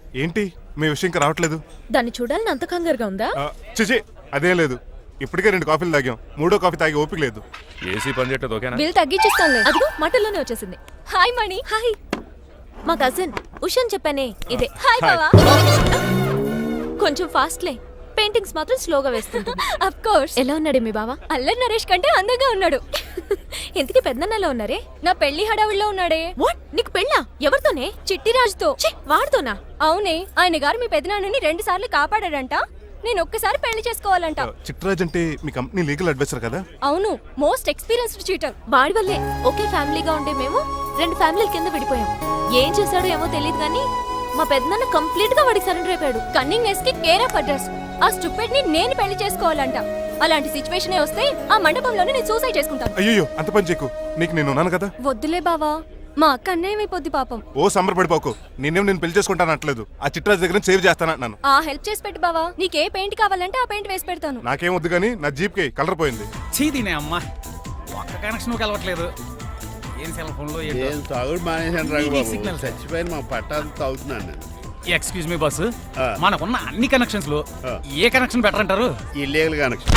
ఏంటి మీ విషయం ఇంకా రావట్లేదు? దాన్ని చూడాలని అంత కంగారుగా ఉందా? చిచి అదేం లేదు. ఇప్పటికే 2 కాఫీలు తాగాం. 3వ కాఫీ తాగి ఓపిక లేదు. ఏసీ పని చేయట్లేదు ఓకేనా? బిల్ తగ్గించిస్తానులే. అదిగో మాటల్లోనే వచ్చేసింది. హాయ్ మణి. హాయ్. మా కజిన్ ఉషాన్ చెప్పానే ఇదే. హాయ్ బావా. కొంచెం ఫాస్ట్లే. పెయింటింగ్స్ మాత్రం స్లోగా వేస్తుంటుంది. Of course. ఎలా ఉన్నాడే మీ బావ? అల్లరి నరేష్ కంటే అందంగా ఉన్నాడు. ఇంతకీ పెద్దన్నలో ఉన్నారే? నా పెళ్లి హడావిడిలో ఉన్నాడే. వాట్? నీకు పెళ్ళా? ఎవరితోనే? చిట్టిరాజుతో. వాడితోనా? అవునే. ఆయన గారు మీ పెద్దనాన్నని 2 సార్లు కాపాడాడంట. నేను ఒక్కసారి పెళ్లి చేసుకోవాలంట. చిట్రాజ్ అంటే మీ కంపెనీ లీగల్ అడ్వైజర్ కదా? అవును, మోస్ట్ ఎక్స్పీరియన్స్డ్ చీటర్. వాడి వల్లే ఒకే ఫ్యామిలీగా ఉండే మేము 2 ఫ్యామిలీల కింద విడిపోయాం. ఏం చేశాడో ఏమో తెలియదు కానీ మా పెద్దనాన్న కంప్లీట్ గా వాడికి సరెండర్ అయిపోయాడు. కన్నింగ్ నెస్ కి కేర్ ఆఫ్ అడ్రస్. ఆ స్టూపిడ్ ని నేను పెళ్లి చేసుకోవాలంట. అలాంటి సిచువేషన్ వస్తే ఆ మండపంలోనే నేను సూసైడ్ చేసుకుంటాను. అయ్యో అంత పని చేయకు. నీకు నేను ఉన్నాను కదా. వద్దులే బావా, మా అక్క అన్నయ్య అయిపోద్ది పాపం. ఓ సంబరపడిపోకు. నేను పెళ్లి చేసుకుంటాను అనట్లేదు. ఆ చిట్రాజ్ దగ్గర సేవ్ చేస్తానంటున్నాను. ఆ హెల్ప్ చేసి పెట్టు బావా. నీకే పెయింట్ కావాలంటే ఆ పెయింట్ వేసి పెడతాను. నాకేం వద్దు కానీ నా జీప్ కి కలర్ పోయింది. చీదీనే అమ్మా, ఒక్క కనెక్షన్ కలవట్లేదు. ఏం సెల్ ఫోన్ లో ఏం తాగుడు మానేశాను రాఘు సిగ్నల్ చచ్చిపోయిన మా పట్టాలు తాగుతున్నాను నేను. ఎక్స్క్యూజ్ మీ బస్సు, మనకున్న అన్ని కనెక్షన్స్ లో ఏ కనెక్షన్ బెటర్ అంటారు? Illegal connection.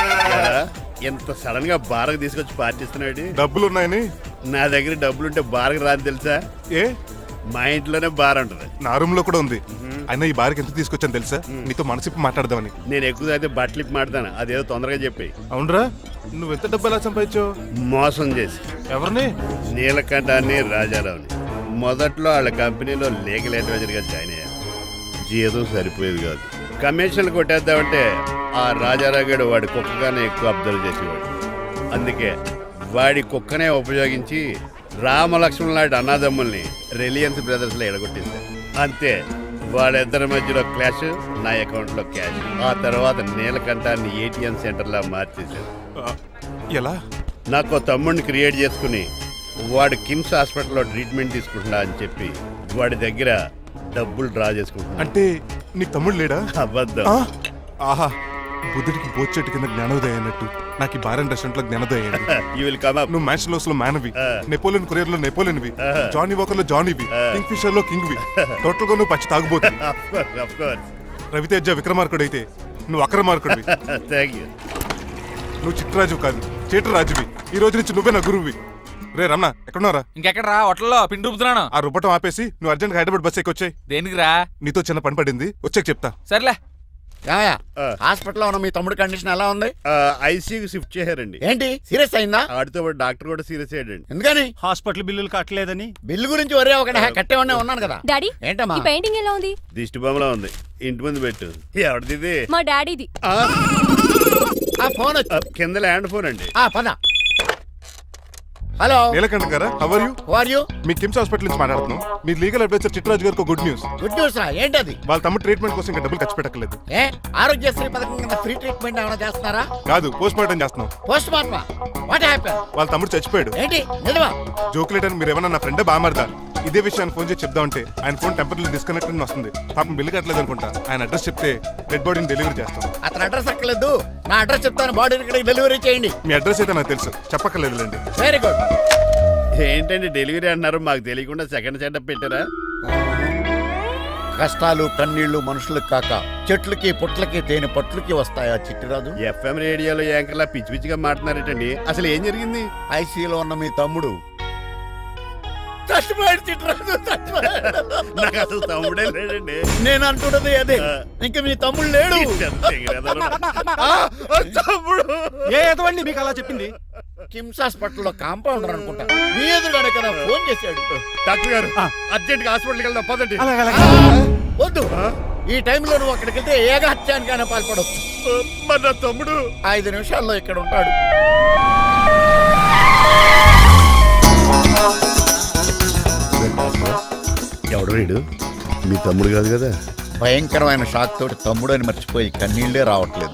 ఎంత సడన్ గా బారకు తీసుకొచ్చి పార్టీస్తున్నాడు. డబ్బులు ఉన్నాయని. నా దగ్గర డబ్బులుంటే బారకు రాని తెలుసా? ఏ మా ఇంట్లోనే బార్ ఉంటుంది. నా రూమ్ లో కూడా ఉంది. అయినా ఈ బార్కి ఎంత తీసుకొచ్చాను తెలుసా? నీతో మనసిప్పి మాట్లాడదామని. నేను ఎక్కువ అయితే బట్టలు ఇప్పి మాడతాను. అదేదో తొందరగా చెప్పి. అవునరా, నువ్వు ఎంత డబ్బు ఎలా సంపాదించావు? మోసం చేసి. ఎవరిని? నీలకంఠాన్ని రాజారావుని. మొదట్లో వాళ్ళ కంపెనీలో లీగల్ అడ్వైజర్ గా జాయిన్ అయ్యాను. జీతం సరిపోయేది కాదు. కమిషన్లు కొట్టేద్దామంటే ఆ రాజారావు గడు వాడి కుక్కగానే ఎక్కువ అబ్జర్వ్ చేసేవాడు. అందుకే వాడి కుక్కనే ఉపయోగించి రామలక్ష్మణ్ లాంటి అన్నదమ్ముల్ని రిలయన్స్ బ్రదర్స్ లో ఎడగొట్టింది. అంతే, వాళ్ళిద్దరి మధ్యలో క్లాష్, నా అకౌంట్ లో క్యాష్. ఆ తర్వాత నీలకంఠాన్ని ATM సెంటర్ లా మార్చేశాడు. ఎలా? నాకు తమ్ముడిని క్రియేట్ చేసుకుని వాడు కిమ్స్ హాస్పిటల్లో ట్రీట్మెంట్ తీసుకుంటున్నా అని చెప్పి వాడి దగ్గర డబ్బులు డ్రా చేసుకుంటున్నా. అంటే నీకు తమ్ముడు లేడా? అబద్ధం. ఆహా, బుద్ధుడికి బోచెట్టు కింద జ్ఞానోదయం అన్నట్టు నాకు ఈ బార్ అండ్ రెస్టారెంట్ లో జ్ఞానోదయం. You will come up. నువ్వు మ్యాచ్ లోస్ లో మ్యాన్వి, నెపోలియన్ కొరియర్ లో నెపోలియన్వి, జానీ వాకర్ లో జానీవి, కింగ్ ఫిషర్ లో కింగ్వి. టోటల్ గా నువ్వు పచ్చి తాగుబోతు. Of course. రవితేజ విక్రమార్కుడు అయితే నువ్వు అక్రమార్కుడివి. Thank you. నువ్వు చిట్రాజు కాదు, చీటరాజువి. ఈ రోజు నుంచి నువ్వే నా గురువువి. రే రమణ, ఎక్కడున్నారా? ఇంకెక్కడరా, హోటల్లో పిండి రుబ్బుతున్నాను. ఆ రుబ్బటం ఆపేసి నువ్వు అర్జెంట్ హైదరాబాద్ బస్ ఎక్కి వచ్చాయి. దేనికిరా? నీతో చిన్న పని పడింది, వచ్చాక చెప్తా. సర్లే. హాస్పిటల్లో ఉన్న మీ తమ్ముడి కండిషన్ ఎలా ఉంది? ఐసీయూకి షిఫ్ట్ చేశారండి. ఏంటి సీరియస్ అయిందా? ఆడితో పాటు డాక్టర్ కూడా సీరియస్ అయ్యాడండి. ఎందుకని? హాస్పిటల్ బిల్లులు కట్టలేదని. బిల్లు గురించి ఒరే ఒకటి కట్టేవాడినే ఉన్నాను కదా. డాడీ, ఏంటమ్మా ఈ పెయింటింగ్ ఎలా ఉంది? దిష్టి బొమ్మలా ఉంది. ఇంటి ముందు పెట్టు. ఎవరిది? మా డాడీది. ఆ ఫోన్ వచ్చి కింద ల్యాండ్ ఫోన్ అండి. పద. హలో, నీలకంఠ గారా, how are you? Who are you? మీ కిమ్స్ హాస్పిటల్ నుంచి మాట్లాడుతున్నాం. మీ లీగల్ అడ్వైజర్ చిట్రాజు గారికి గుడ్ న్యూస్. గుడ్ న్యూస్ రా. ఏంటది? వాళ్ళ తమ్ముడు ట్రీట్మెంట్ కోసం ఇంకా డబ్బులు ఖర్చు పెట్టలేదు. ఏ ఆరోగ్యశ్రీ పథకం కింద ఫ్రీ ట్రీట్మెంట్ ఏమైనా చేస్తున్నారా? కాదు, పోస్ట్ మార్టం చేస్తున్నాం. Post mortem? What happen? వాళ్ళ తమ్ముడు చచ్చిపోయాడు. ఏంటి నిజమా? జోకులేటని మీరు ఏమన్నా నా ఫ్రెండ్ బామర్దా? ఇదే విషయాన్ని ఫోన్ చేసి చెప్దామంటే ఆయన ఫోన్ టెంపరీ డిస్కనెక్ట్ అని వస్తుంది. పాపం బిల్లు కట్టలేదు అనుకుంటా. ఆయన అడ్రస్ చెప్తే డెడ్ బాడీని డెలివరీ చేస్తాం. అతను అడ్రస్ అక్కర్లేదు, నా అడ్రస్ చెప్తాను. బాడీని ఇక్కడికి డెలివరీ చేయండి. మీ అడ్రస్ అయితే నాకు తెలుసు, చెప్పక్కర్లేదులేండి. Very good. ఏంటండి డెలివరీ అన్నారు, మాకు తెలియకుండా సెకండ్ సెటప్ పెట్టారా? కష్టాలు కన్నీళ్లు మనుషులకు కాక చెట్లకి పుట్లకి తేనె పట్లకి వస్తాయా చిట్టిరాజు? FM రేడియోలో యాంకర్లా పిచ్చి పిచ్చిగా మాట్లాడారేటండి. అసలు ఏం జరిగింది? ఐసీలో ఉన్న మీ తమ్ముడు చచ్చిపోయాడు. చిట్టిరాజు చచ్చిపోయాడు. నాకు అసలు తమ్ముడే లేడండి. నేను అంటున్నది అదే. ఇంకా మీ తమ్ముడు లేడు. తమ్ముడు ఏ ఎదవండి మీకు అలా చెప్పింది? కిమ్స్ హాస్పిటల్లో కాంపౌండర్ అనుకుంటా. మీ ఎదురుగానే కదా ఫోన్ చేశాడు. డాక్టర్ గారు అర్జెంట్ గా హాస్పిటల్కి వెళ్దాం పదండి. వద్దు, ఈ టైంలో నువ్వు అక్కడికి వెళ్తే ఏకహత్యానికైనా పాల్పడవచ్చు. మరి నా తమ్ముడు 5 నిమిషాల్లో ఇక్కడ ఉంటాడు. ఎవడు వీడు? మీ తమ్ముడు కాదు కదా? భయంకరమైన షాక్ తోటి తమ్ముడు అని మర్చిపోయి కన్నీళ్లే రావట్లేదు.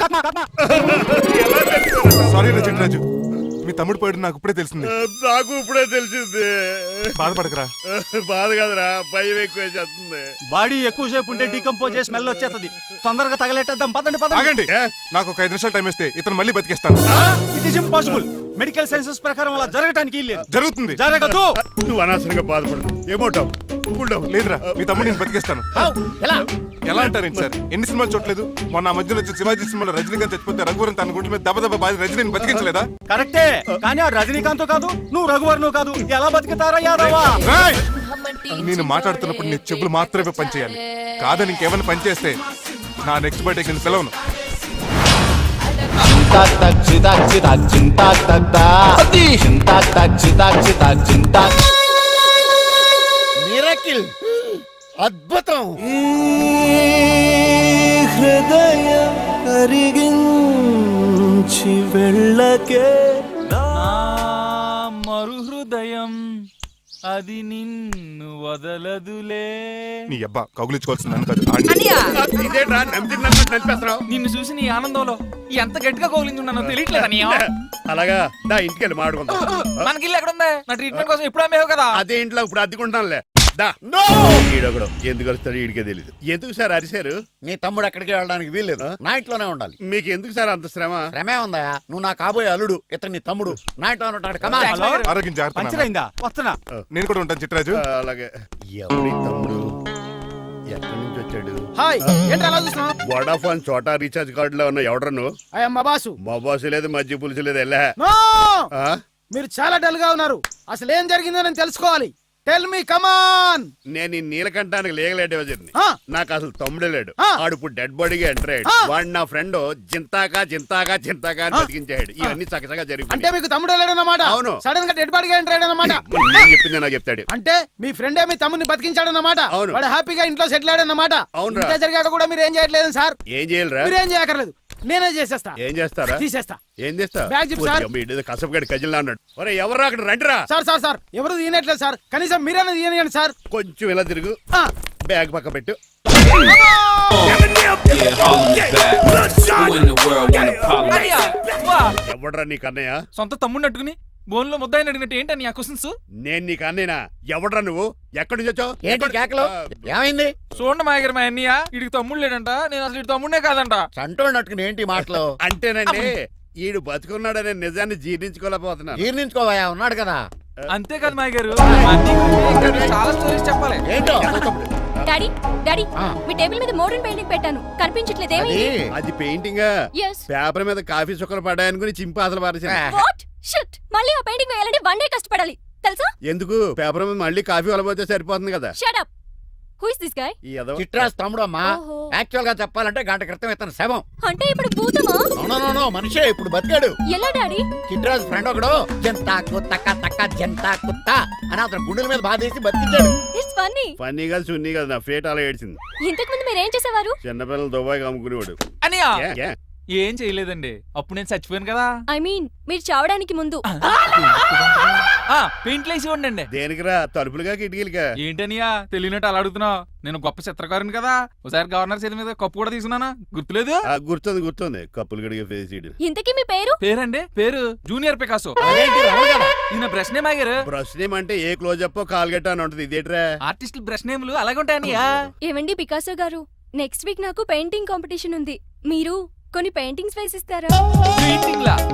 సారీ రా చిట్రాజు, మీ తమ్ముడు పోయాడు నాకు ఇప్పుడే తెలిసింది. నాకు ఇప్పుడే తెలిసింది. బాధపడకరా. బాధ కాదురా, భయం ఎక్కువ చేస్తుంది. బాడీ ఎక్కువసేపు ఉంటే డీకంపోజ్ చేసి స్మెల్ వచ్చేస్తుంది. తొందరగా తగలెట్టేద్దాం. పదండి పదండి. ఆగండి, నాకు ఒక 5 నిమిషాలు టైం ఇస్తే ఇతను మళ్ళీ బతికేస్తాను. It is impossible. Medical sciences ప్రకారం అలా జరగటానికి వీల్లేదు. జరుగుతుంది. జరగదు. నువ్వు అనవసరంగా బాధపడదు ఏమోటావు లేదురా మీ తమ్ముడు నేను బతికేస్తాను. హౌ? ఎలా ఎలా అంటారేంటి సార్, ఎన్ని సినిమాలు చూడలేదు? మొన్న ఆ మధ్యలో వచ్చి శివాజీ సినిమాలో రజనీకాంత్ చచ్చిపోతే రఘువరన్ తన గుండె మీద దెబ్బ బాధ రజనీని బతికించలేదా? కరెక్టే, కానీ ఆ రజనీకాంత్ కాదు, నువ్వు రఘువర్ను కాదు. ఎలా బతుకుతారా యాదవా? రేయ్! నేను మాట్లాడుతున్నప్పుడు నీ చెప్పులు మాత్రమే పనిచేయాలి. కాదని ఇంకేమైనా పనిచేస్తే నా నెక్స్ట్ బర్త్డే కింద పిలవను. Cintak tak citak citak cintak tak tak cintak tak citak citak cintak. Miracle అద్భుతం. హృదయం కరిగించి వెళ్ళకే నా మరు హృదయం అది నిన్ను వదలదులే. నీ అబ్బా కౌగులించుకోవాల్సింది నన్ను కాదు, ఆడిని. ఇదేంట్రా నమ్మినట్టు నడిపేస్తున్నావు నిన్ను చూసి నీ ఆనందంలో ఎంత గట్టిగా కౌలించున్నానో తెలియట్లేదు అన్నయ్య. అలాగా దా ఇంటికి వెళ్ళి మాడుకుందాం. మనకి ఇల్లు ఎక్కడ ఉంది? నా ట్రీట్మెంట్ కోసం ఎప్పుడు అమ్మేవు కదా. అదే ఇంట్లో ఇప్పుడు అద్దెకుంటానులే దా. ఈడొకడు ఎందుకు వస్తాడు ఈడికే తెలియదు. ఎందుకు సార్ అరిశారు? నీ తమ్ముడు ఎక్కడికి వెళ్ళడానికి వీల్లేదు, నా ఇంట్లోనే ఉండాలి. మీకు ఎందుకు సార్ అంత శ్రమ? శ్రమే ఉందా? నువ్వు నా కాబోయే అల్లుడు, ఇతను నీ తమ్ముడు, నా ఇంట్లోనే ఉంటాడు. కమా. హలో, ఆరోగ్యం జాగ్రత్త నాన్న. పంచరైందా? వస్తున్నా. నేను కూడా ఉంటాను చిట్రాజు. అలాగే ఎవరి తమ్ముడు ఎక్కడి నుంచి వచ్చాడు? హాయ్, ఏంటి అలా చూస్తున్నావు? వడాఫోన్ చోటా రీఛార్జ్ కార్డులో ఉన్న ఎవడరా నువ్వు? అయ్యమ్మ బాసు. మా బాసు లేదు మజ్జి పులుసు లేదు వెళ్ళా. నో! ఆ? మీరు చాలా డల్ గా ఉన్నారు. అసలు ఏం జరిగిందో నేను తెలుసుకోవాలి. Tell me come on. నేను ఈ నీలకంఠానికి లీగల్ వజర్ని. ఆ. నాకు అసలు తమ్ముడే లేడు. ఆ. ఆడు ఇప్పుడు డెడ్ బాడీగా ఎంటర్ అయ్యాడు. ఆ. వాడు నా ఫ్రెండ్ జింతాకా జింతాకా జింతాకా అని బతికించాడు. ఇవన్నీ చక్కగా అంటే జరిగిపోయి మీకు తమ్ముడు వెళ్ళాడన్నమాట. అవును. సడన్ గా డెడ్ బాడీగా ఎంటర్ అయ్యాడన్నమాట. నేను చెప్పింది నాకు చెప్తాడు. అంటే మీ ఫ్రెండే మీ తమ్ముడిని బతికించాడన్నమాట. అవును. వాడు హ్యాపీగా ఇంట్లో సెటిల్ అయ్యాడన్నమాట. అవునురా. ఇంత జరిగాక కూడా మీరు ఏం చేయట్లేదు సార్. ఏం చేయాలిరా? మీరేం చేయక్కర్లేదు, నేనే చేసేస్తా. ఏం చేస్తారా? తీసేస్తా. ఏం చేస్తా? Bag zip sir. కసపగడి కజిల్లా అన్నాడు. ఒరే ఎవరు అక్కడ రండిరా. సార్ సార్ సార్ ఎవరు తీయనట్లేదు సార్, కనీసం మీరైనా తీయనియండి సార్. కొంచెం ఇలా తిరుగు, ఆ. బ్యాగ్ పక్క పెట్టు. అన్నయ్య, వా. ఎవడరా నీకు అన్నయ్య? సొంత తమ్ముడిని అట్టుకుని బోన్లో ముద్దాయిని అడిగినట్టు ఏంటని ఆ క్వశ్చన్స్? నేను నీకు అన్నయ్యనా? ఎవడరా నువ్వు? ఎక్కడి నుంచి వచ్చావు? ఏంటి కేకలు? ఏమైంది? చూడండి మా దగ్గర మా అన్నయ్య ఇడికి తమ్ముడు లేడంట. నేను అసలు ఇటు తమ్ముడే కాదంట. చంటోడు నట్టుకుని ఏంటి మాటలు? అంటేనండి ఈడు బతుకున్నాడనే నిజాన్ని జీర్ణించుకోలేకపోతున్నాను. జీర్ణించుకోవా, ఉన్నాడు కదా. అంతేకాదు మా గారు, చాలా స్టోరీస్ చెప్పాలి. ఏంటో డాడీ డాడీ ఆ. మీ టేబుల్ మీద మోడర్న్ పెయింటింగ్ పెట్టాను, కనిపించట్లేదు. అది ఏమైంది? అది పెయింటింగ్ Yes. పేపర్ మీద కాఫీ చుక్కలు పడ్డాయనుకుని చింపి అసలు పారేసాను. వాట్ షిట్, మళ్ళీ ఆ పెయింటింగ్ వేయాలంటే 1 డే కష్టపడాలి తెలుసా? ఎందుకు? పేపర్ మీద మళ్ళీ కాఫీ వలపోతే సరిపోతుంది కదా. Shut up. Who is this guy? ఈ ఎదవ. చిట్రాజ్ తమ్ముడు అమ్మా. ఓహో. యాక్చువల్ గా చెప్పాలంటే గంట క్రితం ఇతను శవం. అంటే ఇప్పుడు భూతమా? నో మనిషే ఇప్పుడు బతికాడు. ఎలా డాడీ? చిట్రాజ్ ఫ్రెండ్ ఒకడు జంతా కుత్త తక్క జంతా కుత్త అని అతను గుండెల మీద బాధేసి బతికించాడు. It's funny. ఫన్నీ కాదు సున్నీ కాదు, నా ఫేట్ అలా ఏడ్చింది. ఇంతకు ముందు మీరు ఏం చేసేవారు? చిన్నపిల్లలు దుబాయ్ అమ్ముకునేవాడు. అన్నయ్య ఏ, ఏ? ఏం చేయలేదండి, అప్పుడు నేను చచ్చిపోయాను కదా. ఐ మీన్ మీరు చావడానికి ముందు. పెయింట్లు వేసి ఉండండి. దేనికిరా? తలుపులుగా కిటికీలుగా? ఏంటనియా తెలియనట్టు అలా అడుగుతున్నావు? నేను గొప్ప చిత్రకారుని కదా. ఒకసారి గవర్నర్ చేతి మీద కప్పు కూడా తీసుకున్నానా, గుర్తులేదు? గుర్తుంది కప్పులు గడిగే ఫేస్ ఇడు. ఇంతకీ మీ పేరు? పేరండి, పేరు జూనియర్ పికాసో. అదేంటి రమణ గారు? ఈయన బ్రష్ నేమ్ ఆగారు. బ్రష్ నేమ్ అంటే ఏ క్లోజప్ కాల్గెట్ అని ఉంటుంది. ఇదేట్రా? ఆర్టిస్టుల బ్రష్ నేమ్లు అలాగే ఉంటాయనియా. ఏమండి పికాసో గారు, నెక్స్ట్ వీక్ నాకు పెయింటింగ్ కాంపిటీషన్ ఉంది. మీరు కొన్ని పెయింటింగ్స్ వేసిస్తారా? పెయింటింగ్ లా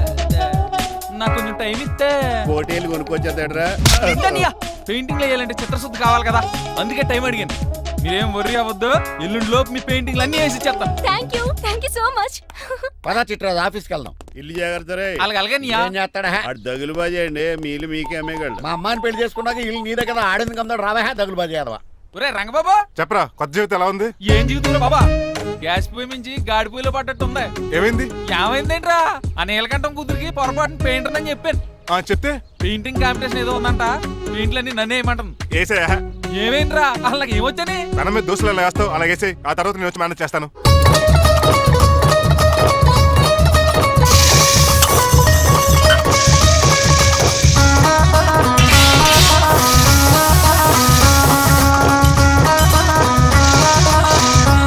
నాకు కొంచెం టైం ఇస్తే. కోటేలు కొనుక్కొచ్చేదేట్రా? పెయింటింగ్ వేయాలంటే చిత్రశుద్ధి కావాలి కదా, అందుకే టైం అడిగాను. మీరేం వర్రీ అవ్వద్దు, ఎల్లుండి లోపు మీ పెయింటింగ్లు అన్ని వేసి ఇచ్చేస్తాను. Thank you so much. పద చిట్రాజ్ ఆఫీస్కి వెళ్దాం. ఇల్లు జాగ్రత్త రే. అలాగే ఏం చేస్తాడా? అటు దగులు బాజీ అండి, మీలు మీకే అమ్మేగాళ్ళు. మా అమ్మాయిని పెళ్లి చేసుకున్నాక ఇల్లు నీదే కదా, ఆడింది కమ్దాడు రావా దగులు బాజీ యాదవా. ఒరే రంగబాబా, చెప్పరా కొత్త జీవితం ఎలా ఉంది? ఏం జీవితంలో బాబా, గ్యాస్ పొయ్యి మించి గాడి పొయ్యిలో పడ్డట్టు ఉంది. ఏమైంది? ఏమైందేంట్రా, ఆ నీలకంఠం కూతురికి పొరపాటున పెయింటర్ అని చెప్పాను. చెప్తే పెయింటింగ్ కాంపిటీషన్ ఏదో ఉందంట, పెయింట్లన్నీ నన్నే ఏమంటుంది. ఏసే ఏమైందిరా, అసలు నాకు ఏమొచ్చని? తన మీద దోశలు ఎలా వేస్తావు అలాగేసే, ఆ తర్వాత నేను వచ్చి మేనేజ్ చేస్తాను.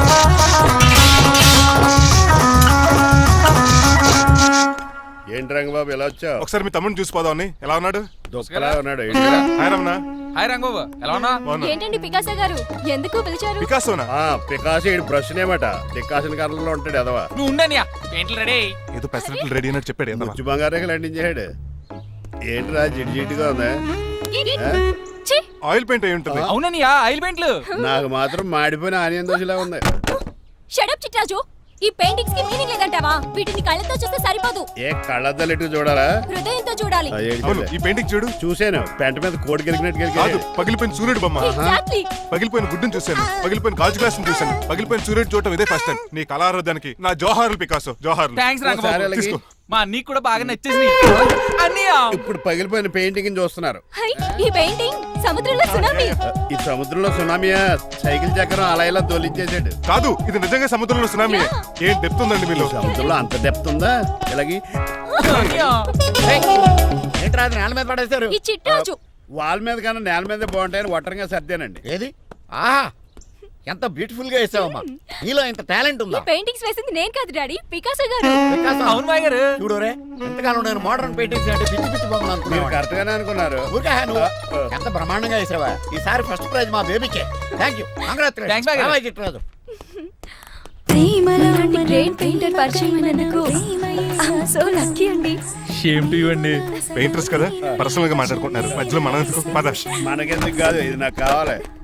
ఏంటి రంగ బాబు ఎలా వచ్చావు? ఒకసారి మీ తమ్ముడిని చూసిపోదామని. ఎలా ఉన్నాడు? దుఃఖలా ఉన్నాడు ఏంటిరా? హాయ్ రమణ. హాయ్ రంగబాబు ఎలా ఉన్నా? బాగున్నా. ఏంటండి పికాసో గారు ఎందుకు పిలిచారు? పికాసోనా? పికాసి ఇడు బ్రష్ నేమట పికాసిన కర్రలో ఉంటాడు ఎదవా. నువ్వు ఉండనియా పెయింట్లు రెడీ. ఏదో పెసరట్లు రెడీ అయినట్టు చెప్పాడు ఏదమ్మా. ముచ్చు బంగారం లండించాడు. ఏంట్రా జిడ్జిడ్డుగా ఉందా? ఛీ! ఆయిల్ పెయింట్ అయి ఉంటుంది. అవుననియా ఆయిల్ పెయింట్లు. నాకు మాత్రం మాడిపోయిన ఆనియన్ దోశలా ఉంది. షడప్ చిట్రాజు, ఈ పెయింటింగ్స్ కి మీనింగ్ లేదంటావా? వీటిని కళ్ళతో చూస్తే సరిపోదు, ఏ కళ్ళద్దలెట్టు చూడాలా? హృదయంతో చూడాలి. ఆ, ఏంటి అవును, చెప్పే? ఈ పెయింటింగ్ చూడు. చూశాను పెంట మీద కోడి గెలిగినట్టు కాదు, గెలిగాడు. పగిలిపోయిన సూర్యుడు బొమ్మ, ఎగ్జాక్ట్లీ. పగిలిపోయిన గుడ్డును చూశాను, పగిలిపోయిన గాజు గ్లాస్ చూశాను, పగిలిపోయిన సూర్యుడు చూడటం ఇదే ఫస్ట్ టైం. నీ కళారోధానికి నా జోహార్లు పికాసో, జోహార్లు. థ్యాంక్స్ ఒకసారి రంగబాబు. అలాగే. తీసుకో. మా నీకు కూడా బాగా నచ్చేసింది అన్నయ్య. ఇప్పుడు పగిలిపోయిన పెయింటింగ్ చూస్తున్నారు. హై, ఈ పెయింటింగ్ సముద్రంలో సునామీ. ఈ సముద్రంలో సునామీయా? సైకిల్ చక్రం అలా ఇలా తోలించేసాడు. కాదు, ఇది నిజంగా సముద్రంలో సునామీ. ఏం డెప్త్ ఉందండి మీలో. సముద్రంలో అంత డెప్త్ ఉందా? ఇలాగి అన్నయ్య. ఏంట్రా అది నేల మీద పడేశారు? ఈ చిట్రాజు వాల్ మీద కన్నా నేల మీద బాగుంటాయని ఒట్టరంగా సర్దానండి. ఏది? ఆహా ఎంత బ్యూటిఫుల్ గా వేసావమ్మా. నీలో ఇంత టాలెంట్ ఈ ఉందా? పెయింటింగ్స్ వేసింది నేను కాదు డాడీ, పికాసో గారు. వికాసం. అవును మాయ గారు. చూడురే ఎంతకాలం నేను మోడర్న్ పెయింటింగ్స్ అంటే పిచ్చి పిచ్చి బొమ్మలు మీరు అనుకున్నాను. కరెక్ట్ గానే అనుకున్నారు. ఊరికే నువ్వు ఎంత బ్రహ్మాండంగా వేసావా. ఈసారి ఫస్ట్ ప్రైజ్ మా బేబీకే. Thank you. Thanks, బాగా. చిట్రాజు. ఇలాంటి గ్రేట్ పెయింటర్ పరిచయం అయినందుకు సో లక్కీ అండి. షేమ్ టు యు అండి. పెయింటర్స్ కదా, పర్సనల్ గా మాట్లాడుకుంటున్నారు. మధ్యలో మనం ఎందుకు? పద. మనకెందుకు కాదు, ఇది నాకు కావాలి.